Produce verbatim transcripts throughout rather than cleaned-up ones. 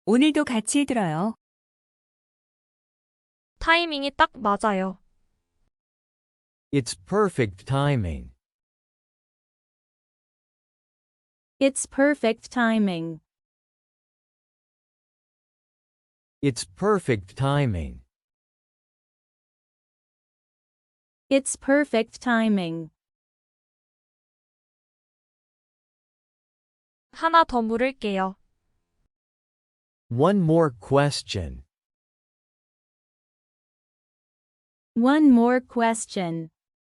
오늘도 같이 들어요. 타이밍이 딱 맞아요. It's perfect timing. It's perfect timing. It's perfect timing. It's perfect timing. 하나 더 물을게요. One more question. One more question.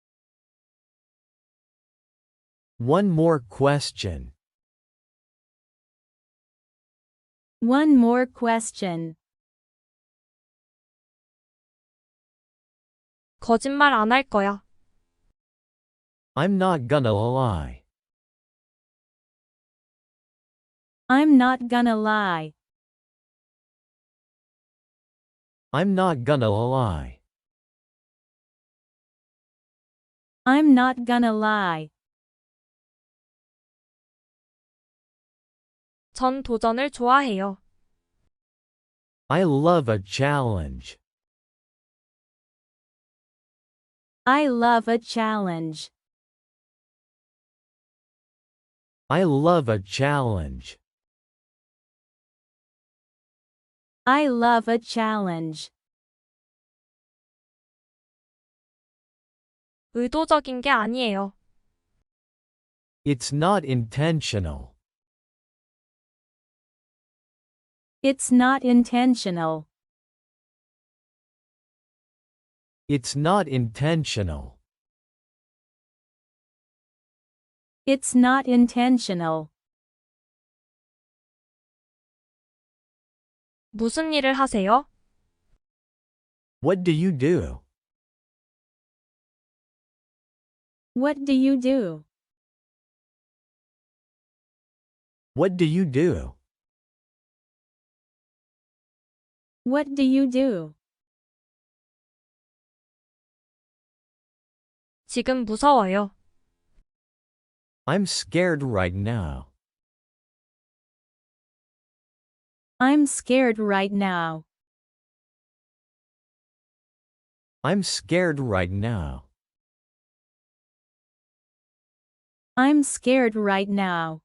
One more question. One more question. 거짓말 안 할 거야. I'm not gonna lie. I'm not gonna lie. I'm not gonna lie. I'm not gonna lie. 전 도전을 좋아해요. I love a challenge. I love a challenge. I love a challenge. I love a challenge. 의도적인 게 아니에요. It's not intentional. It's not intentional. It's not intentional. It's not intentional. 무슨 일을 하세요? What do you do? What do you do? What do you do? What do you do? 지금 무서워요. I'm scared right now. I'm scared right now. I'm scared right now. I'm scared right now.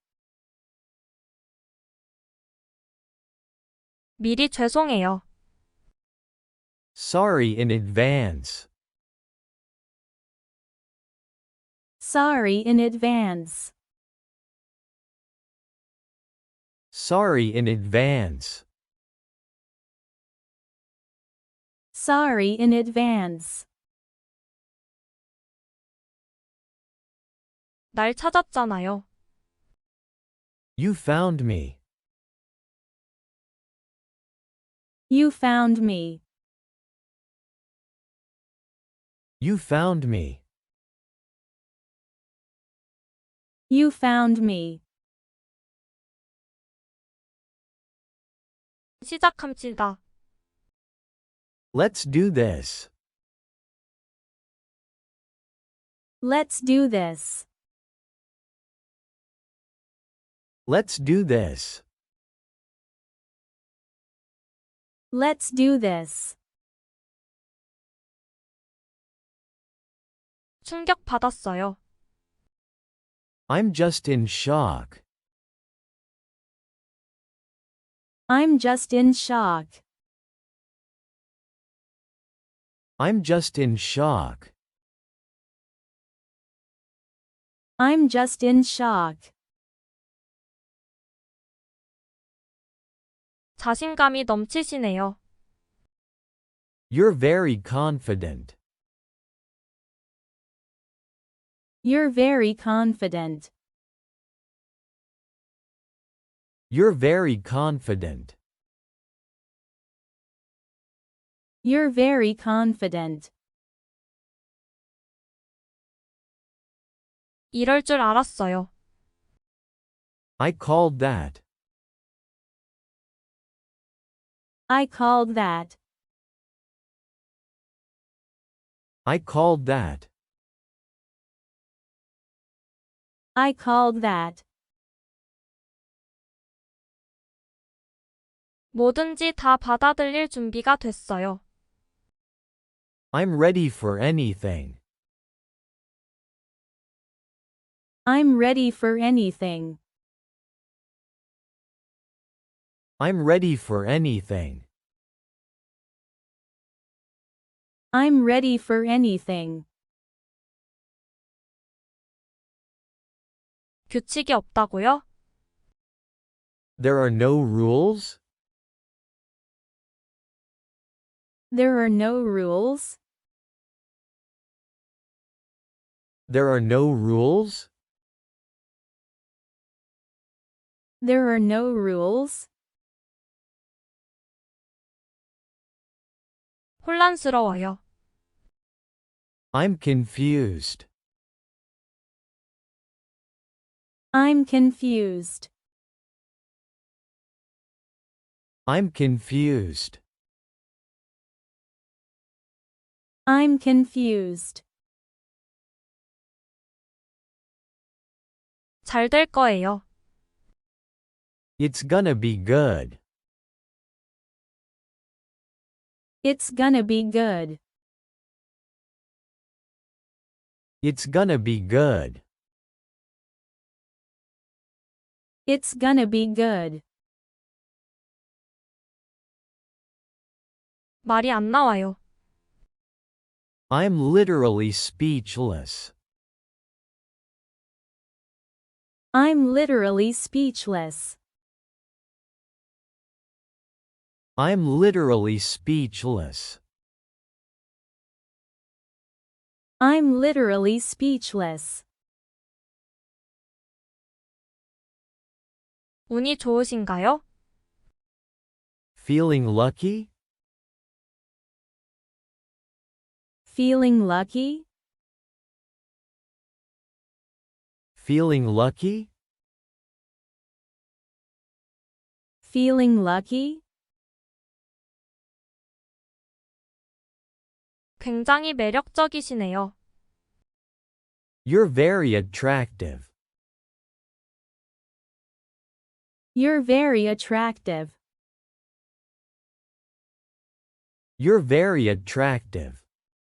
미리 죄송해요. Sorry in advance. Sorry in advance. Sorry in advance. Sorry in advance. 날 찾았잖아요. You found me. You found me. You found me. You found me. 시작합시다. Let's do this. Let's do this. Let's do this. Let's do this. 충격 받았어요. I'm just in shock. I'm just in shock. I'm just in shock. I'm just in shock. 자신감이 넘치시네요. You're very confident. You're very confident. You're very confident. You're very confident. 이럴 줄 알았어요. I called that. I called that. I called that. I called that. 뭐든지 다 받아들일 준비가 됐어요. I'm ready for anything. I'm ready for anything. I'm ready for anything. I'm ready for anything. 규칙이 없다고요? There are no rules? There are no rules. There are no rules? There are no rules. 혼란스러워요. I'm confused. I'm confused. I'm confused. I'm confused. 잘 될 거예요. It's gonna be good. It's gonna be good. It's gonna be good. It's gonna be good. 말이 안 나와요. I'm literally speechless. I'm literally speechless. I'm literally speechless. I'm literally speechless. 운이 좋으신가요? Feeling lucky? Feeling lucky? Feeling lucky? Feeling lucky? 굉장히 매력적이시네요. You're very attractive. You're very attractive. You're very attractive.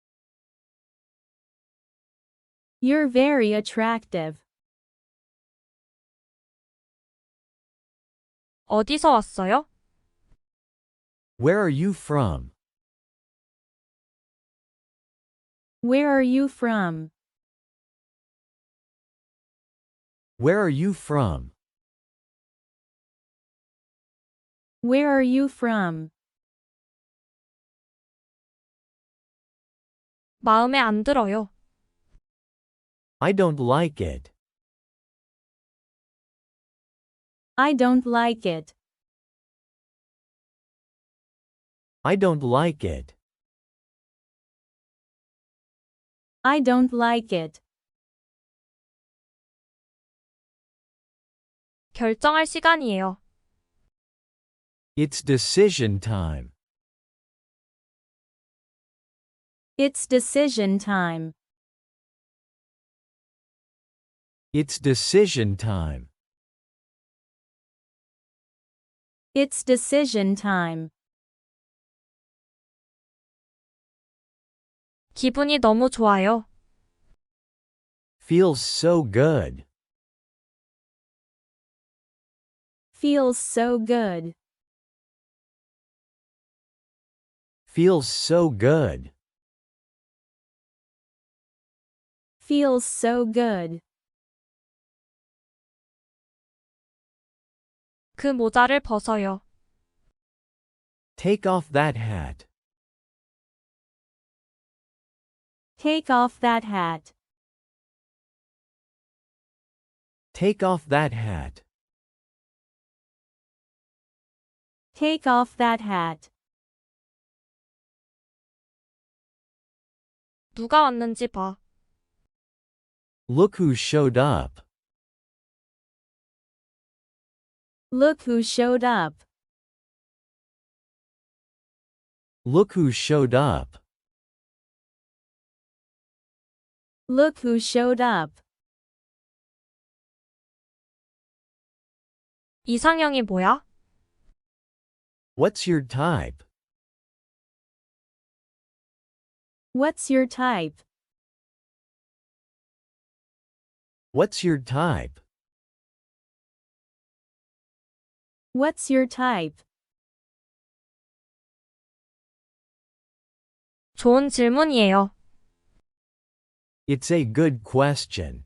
You're very attractive. 어디서 왔어요? Where are you from? Where are you from? Where are you from? Where are you from? 마음에 안 들어요. I don't like it. I don't like it. I don't like it. I don't like it. 결정할 시간이에요. It's decision time. It's decision time. It's decision time. It's decision time. 기분이 너무 좋아요. Feels so good. Feels so good. Feels so good. Feels so good. 그 모자를 벗어요. Take off that hat. Take off that hat. Take off that hat. Take off that hat. 누가 왔는지 봐. Look who showed up. Look who showed up. Look who showed up. Look who showed up. 이상형이 뭐야? What's your type? What's your type? What's your type? What's your type? 좋은 질문이에요. It's a good question.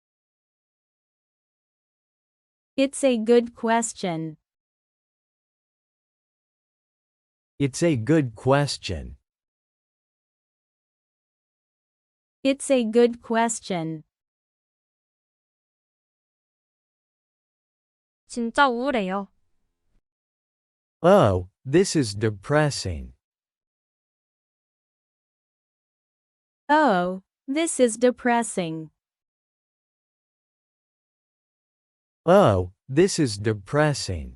It's a good question. It's a good question. It's a good question. 진짜 우울해요. Oh, this is depressing. Oh, this is depressing. Oh, this is depressing.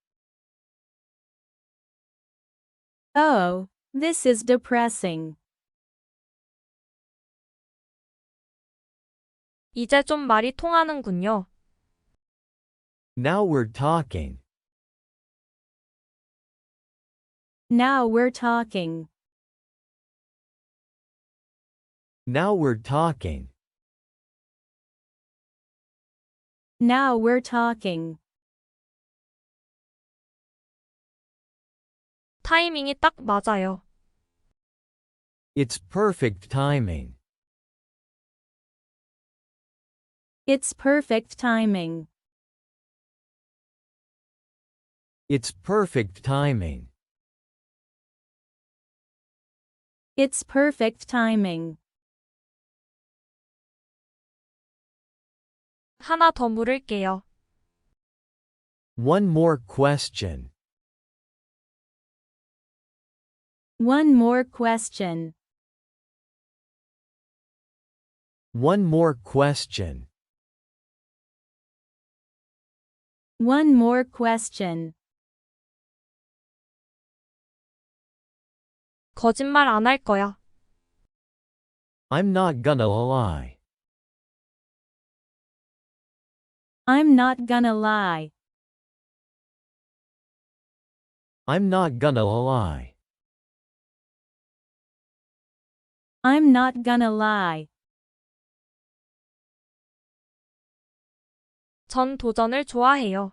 Oh, this is depressing. 이제 좀 말이 통하는군요. Now we're talking. Now we're talking. Now we're talking. Now we're talking. 타이밍이 딱 맞아요. It's perfect timing. It's perfect timing. It's perfect timing. It's perfect timing. 하나 더 물을게요. One more question. One more question. One more question. One more question. 거짓말 안 할 거야. I'm not gonna lie. I'm not gonna lie. I'm not gonna lie. I'm not gonna lie. 전 도전을 좋아해요.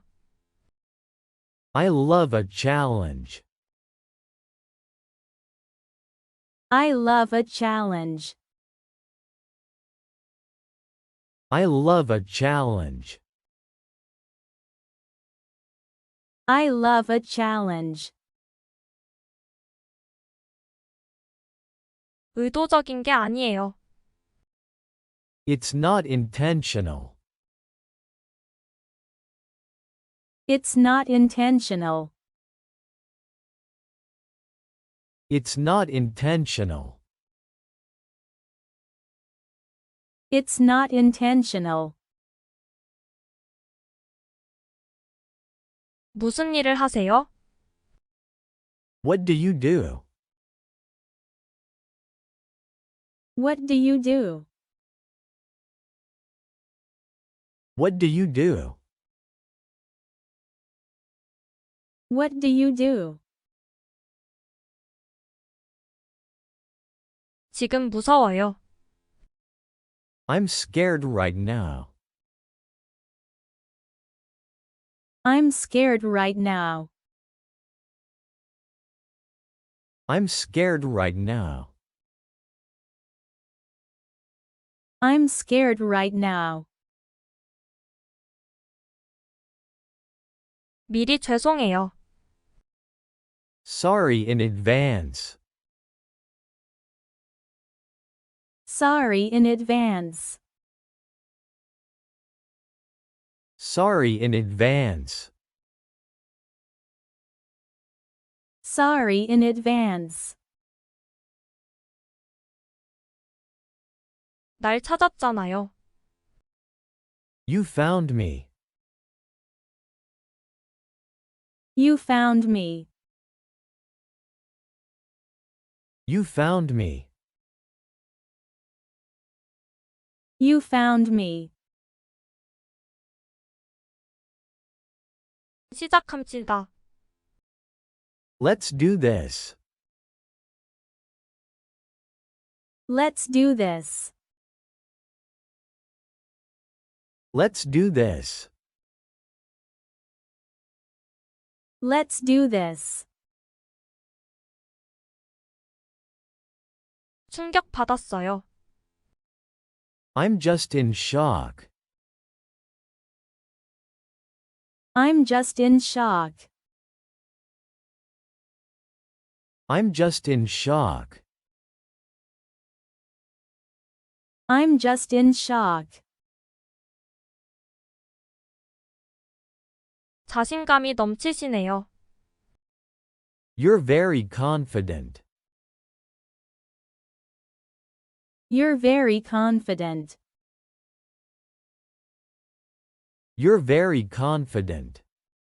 I love a challenge. I love a challenge. I love a challenge. I love a challenge. 의도적인 게 아니에요. It's not intentional. It's not intentional. It's not intentional. It's not intentional. 무슨 일을 하세요? What do you do? What do you do? What do you do? What do you do? 지금 무서워요. I'm scared right now. I'm scared right now. I'm scared right now. I'm scared right now. 미리 죄송해요. Sorry in advance. Sorry in advance. Sorry in advance. Sorry in advance. 날 찾았잖아요. You found me. You found me. You found me. You found me. 시작합시다. Let's do this. Let's do this. Let's do this. Let's do this. 충격받았어요. I'm just in shock. I'm just in shock. I'm just in shock. I'm just in shock. 자신감이 넘치시네요. You're very confident. You're very confident. You're very confident.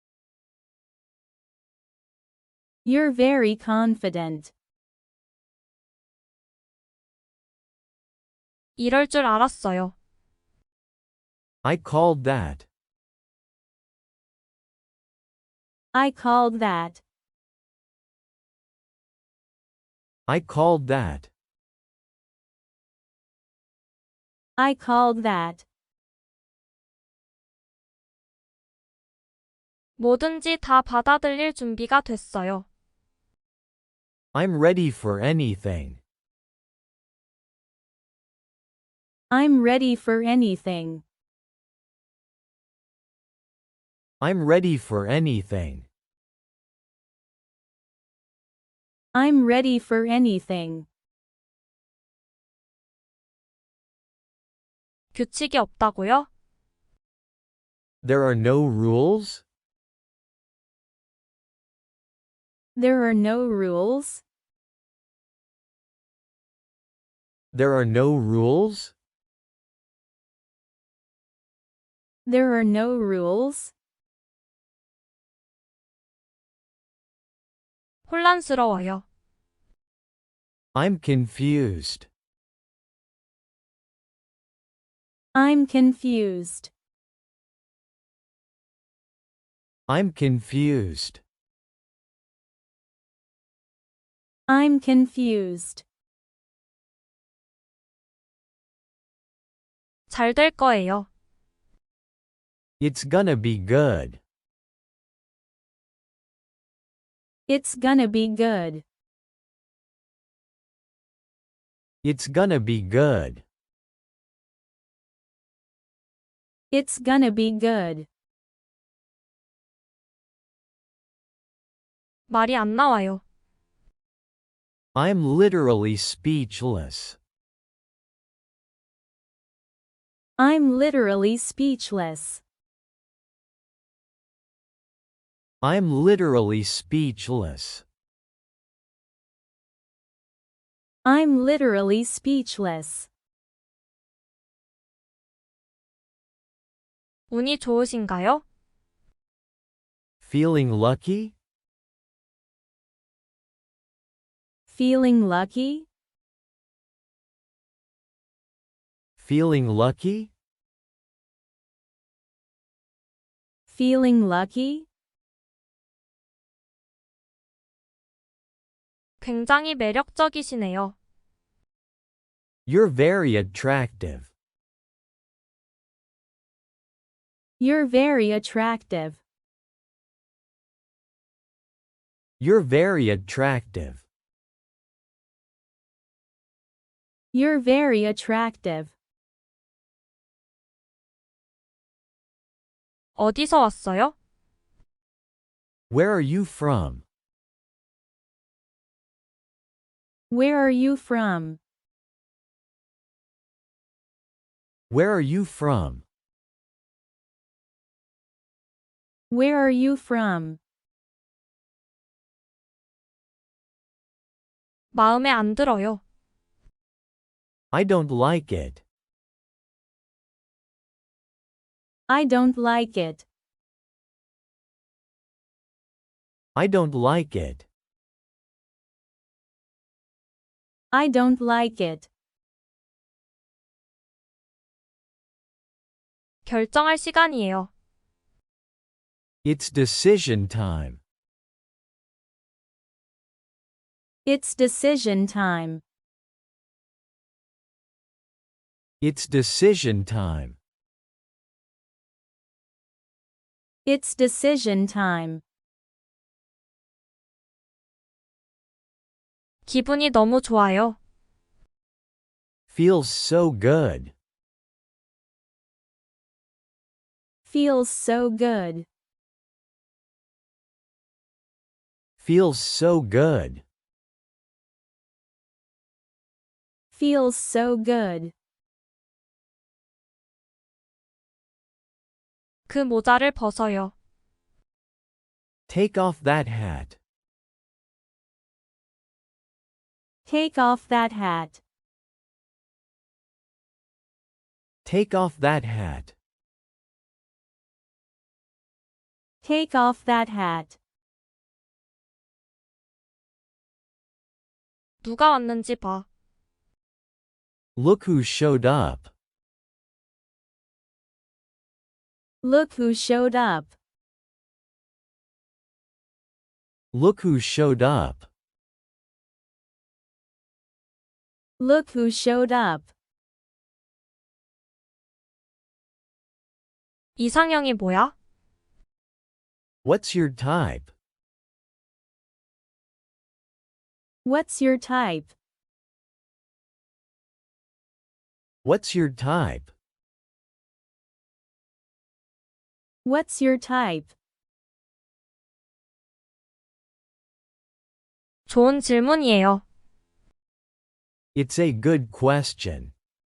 You're very confident. 이럴 줄 알았어요. I called that. I called that. I called that. I called that. 뭐든지 다 받아들일 준비가 됐어요. I'm ready for anything. I'm ready for anything. I'm ready for anything. I'm ready for anything. 규칙이 없다고요? There are no rules? There are no rules. There are no rules? There are no rules. 혼란스러워요. I'm confused. I'm confused. I'm confused. I'm confused. 잘 될 거예요. It's gonna be good. It's gonna be good. It's gonna be good. It's gonna be good. 말이 안 나와요. I'm literally speechless. I'm literally speechless. I'm literally speechless. I'm literally speechless. 운이 좋으신가요? Feeling lucky? Feeling lucky? Feeling lucky? Feeling lucky? 굉장히 매력적이시네요. You're very attractive. You're very attractive. You're very attractive. You're very attractive. 어디서 왔어요? Where are you from? Where are you from? Where are you from? Where are you from? 마음에 안 들어요. I don't like it. I don't like it. I don't like it. I don't like it. 결정할 시간이에요. It's decision time. It's decision time. It's decision time. It's decision time. 기분이 너무 좋아요. Feels so good. Feels so good. Feels so good. Feels so good. 그 모자를 벗어요. Take off that hat. Take off that hat. Take off that hat. Take off that hat. 누가 왔는지 봐. Look who showed up. Look who showed up. Look who showed up. Look who showed up. 이상형이 뭐야? What's your type? What's your type? What's your type? What's your type? 좋은 질문이에요. It's a good question.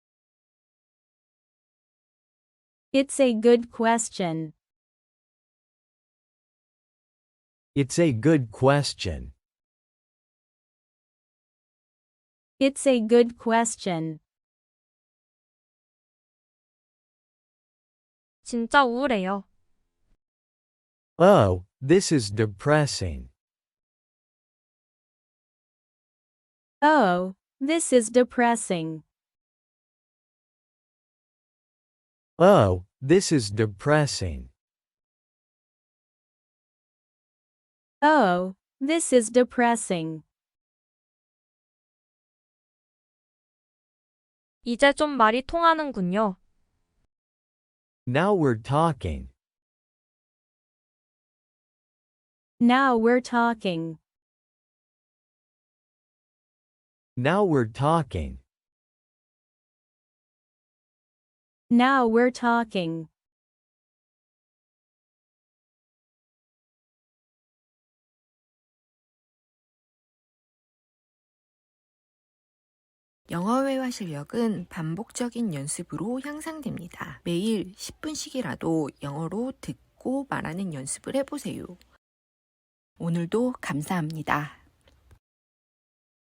It's a good question. It's a good question. It's a good question. 진짜 우울해요. Oh, this is depressing. Oh, this is depressing. Oh, this is depressing. Oh, this is depressing. 이제 좀 말이 통하는군요. Now we're talking. Now we're talking. Now we're talking. Now we're talking. 영어 회화 실력은 반복적인 연습으로 향상됩니다. 매일 십 분씩이라도 영어로 듣고 말하는 연습을 해보세요. 오늘도 감사합니다.